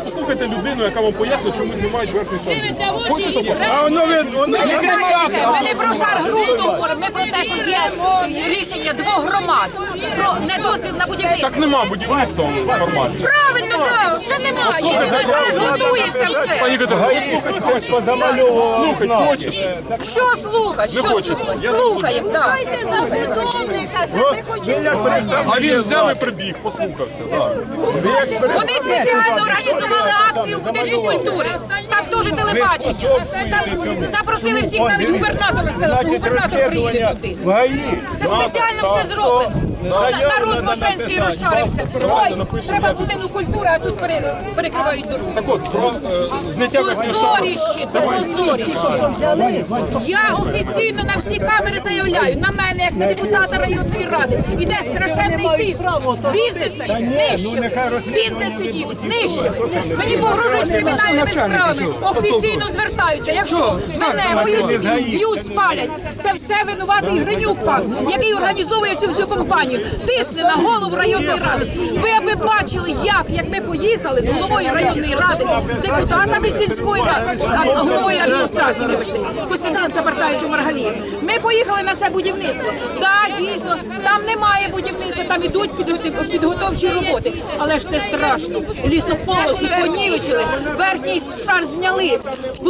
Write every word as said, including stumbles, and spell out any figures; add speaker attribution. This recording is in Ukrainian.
Speaker 1: послухайте людину, яка вам пояснить, чому знімають верхній шар. Хочете?
Speaker 2: А воно воно
Speaker 3: Ми не про шар ґрунту говоримо, ми про те, що є рішення двох громад про недозвіл на будівництво.
Speaker 1: Так нема будівництва в форматі.
Speaker 3: Правильно, так, ще немає. Але ж готується все.
Speaker 1: Пані Катерина, слухайте, хочете? Слухайте, хочете?
Speaker 3: Що слухати? Що
Speaker 1: хочете.
Speaker 3: слухати? Слухаємо, так.
Speaker 1: А він взяв і прибіг, послухався. Да.
Speaker 3: Вони спеціально організували акцію в будинку культури. Там теж телебачення. Там запросили всіх, навіть губернатора сказали, що губернатор приїде туди. Це спеціально все зроблено. Народ Мошенський розшарився. Ой, треба будинок культури, а тут пере- перекривають дорогу.
Speaker 1: Так от, про е, зняття верхнього шару.
Speaker 3: Позоріще, це позоріще. Я офіційно на всі камери заявляю, на мене, як на депутата районної ради, іде страшенний тиск. Бізнес знищив. Бізнес сидів, знищив. Мені погрожують кримінальними справами. Офіційно звертаються. Якщо мене, мою сім'ю б'ють, спалять, це все винуватий Гринюк пан, який організовує цю всю компанію. Тисне на голову районної ради. Ви аби бачили, як, як ми поїхали з головою районної ради, з депутатами сільської ради, а головою адміністрації, вибачте, Костянтин Цапартаєвич Маргалієв. Ми поїхали на це будівництво. Так, дійсно, там немає будівництва, там ідуть підготов- підготовчі роботи. Але ж це страшно. Лісополосу понівечили, верхній шар зняли.